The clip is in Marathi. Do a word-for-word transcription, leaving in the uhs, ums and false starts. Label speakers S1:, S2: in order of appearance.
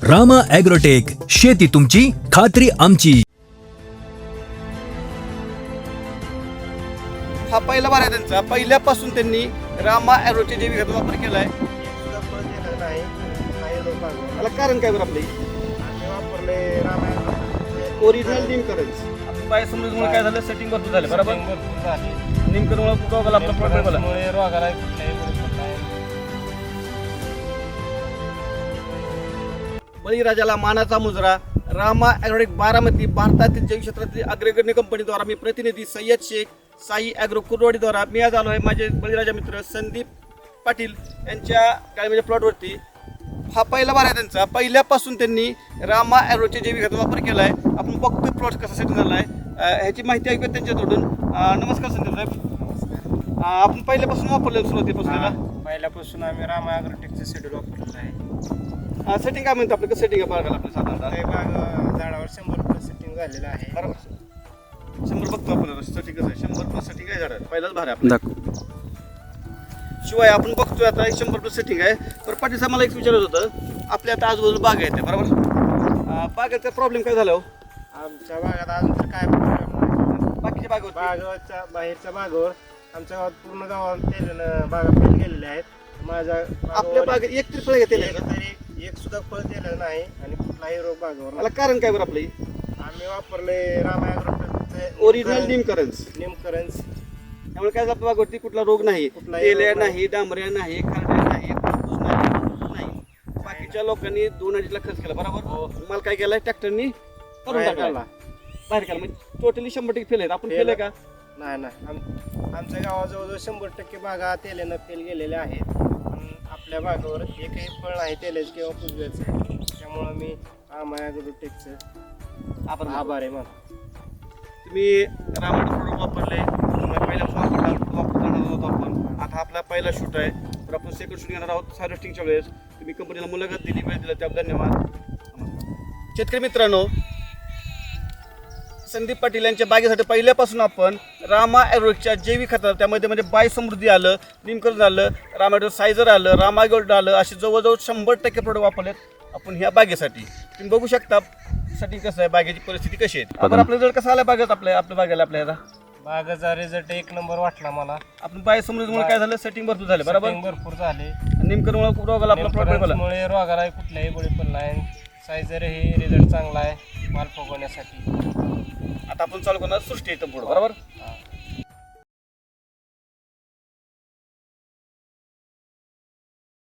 S1: रामा ॲग्रोटेक, शेती तुमची, खात्री आमची.
S2: हा पहिला बार आहे त्यांचा. पहिल्यापासून त्यांनी रामा ॲग्रोचे जैविक खताचा वापर केलाय.
S3: सुद्धा फळ दिलं नाही काही लोक
S2: त्याला कारण काय बरं आपले
S3: आम्ही वापरले रामायण
S2: ओरिजिनल निमकरन्स. बाय समजून काय झालं, सेटिंग भरपूर झालं बरोबर.
S3: भरपूर झाली
S2: निमकरमुळे रोगाला आपला प्रॉब्लेम आला.
S3: मुळे रोगाला कुठल्याही बरोबर नाही.
S2: बळीराजाला मानाचा मुजरा. रामा ॲग्रोटेक बारामती भारतातील जैविक क्षेत्रातील अग्रगण्य कंपनीद्वारा मी प्रतिनिधी सय्यद शेख साई ॲग्रो कुर्डवाडीद्वारा मी आज आलो आहे माझे बळीराजा मित्र संदीप पाटील यांच्या गाडीमध्ये प्लॉटवरती. हा पहिला बार आहे त्यांचा. पहिल्यापासून त्यांनी रामा ॲग्रोचे जैविक खताचा वापर केला आहे. आपण बघतोय प्लॉट कसा सेट झाला आहे, ह्याची माहिती ऐकूया त्यांच्याकडून. नमस्कार संदीप साहेब, आपण पहिल्यापासून वापरलेलं सुरुवातीपासून
S3: पहिल्यापासून आम्ही रामा ॲग्रोटेकचं शेड्यूल वापरलेलं आहे.
S2: सेटिंग काय म्हणतो आपलं, सेटिंग आहे बघायला आपण साधारणतः
S3: ते बाग झाडावर शंभर रुपये सेटिंग झालेलं आहे.
S2: बरोबर. शंभर बघतो आपण सेटिंग कसं आहे, शंभर प्लस सेटिंग आहे झाडाला. पहिलाच भार आहे आपला. शिवाय आपण बघतोय आता एक शंभर प्लस सेटिंग आहे. तर पाटील साहेब मला एक विचारत होतं, आपल्या आता आजूबाजूला बाग आहेत बरोबर. बागेचा प्रॉब्लेम काय झाला हो?
S3: आमच्या भागात अजून तर काय प्रॉब्लेम नाही.
S2: बाकीच्या बाग
S3: बागाच्या बाहेरच्या बागावर आमच्या गावात पूर्ण गावात तेलानं बागा फेल गेलेल्या आहेत. माझ्या
S2: आपल्या
S3: बागावर
S2: बागेत एक तरी फळ घेतले
S3: एक तरी एक सुद्धा फळ दिलं नाही आणि कुठलाही रोग बागावर
S2: मला
S3: नाही.
S2: कारण काय बरं आपली
S3: आम्ही वापरले रामा ॲग्रोटेकचे
S2: ओरिजिनल निमकरन्स.
S3: निमकरन्स.
S2: त्यामुळे काय आपल्या बागवरती कुठला रोग नाही,
S3: कुठलाही
S2: तेल्या
S3: रोग नाही.
S2: नाही, डांबऱ्या नाही, खारड्या नाही, कापूस नाही, कापूस नाही. बाकीच्या लोकांनी दोन अडीच लाख खर्च केला बरोबर. मला काय केलं, ट्रॅक्टरनी करून
S3: बाहेर
S2: टाकला,
S3: काढला.
S2: बाहेर केला. म्हणजे टोटली शंभर टक्के फेल आहेत. आपण
S3: Fail
S2: केलंय का?
S3: नाही नाही आम- आमच्या गावात जवळजवळ शंभर टक्के बागा तेलानं फेल गेलेल्या आहेत. पण आपल्या बागावर एकही फळ नाही तेलाचं किंवा पुजव्याचं. त्यामुळं मी रामा ॲग्रोटेकचं
S2: आपण
S3: आभार आहे मला.
S2: तुम्ही रामायण प्रोडक्ट वापरले, तुम्हाला पहिला वापर वापरणार होतो आपण. आता आपला पहिला शूट आहे, तर आपण सेकंड शूट घेणार आहोत हार्वेस्टिंगच्या वेळेस. तुम्ही कंपनीला मुलाखत दिली, वेळ दिला त्याबद्दल धन्यवाद. शेतकरी मित्रांनो, संदीप पाटील यांच्या बागेसाठी पहिल्यापासून आपण रामा ॲग्रोटेकच्या जैविक खतात, त्यामध्ये म्हणजे बाय समृद्धी आलं, निमकरण आलं, रामा सायझर आलं, रामा गोल्ड आलं, असे जवळजवळ शंभर टक्के प्रोडक्ट वापरलेत आपण ह्या बागेसाठी. तुम्ही बघू शकता साठी कसं आहे, बागेची परिस्थिती कशी आहे. आपण आपल्या जर कसं आलं बागेत आपल्या आपल्या बागेला आपल्या ह्याला
S3: बागाचा रिझल्ट एक नंबर वाटला मला.
S2: आपण बाय समृद्धीमुळे काय झालं, सेटिंग भरपूर झालं बरोबर.
S3: Setting भरपूर झाले.
S2: निमकरणमुळे रोगाला आपला प्रॉब्लेम आला.
S3: मुळे रोगाला कुठल्याही बळी पण नाही. सायझर हे रिझल्ट चांगला आहे माल फुगवण्यासाठी.
S2: आता आपण चालू करणार सृष्टी इथं पुढं बरोबर.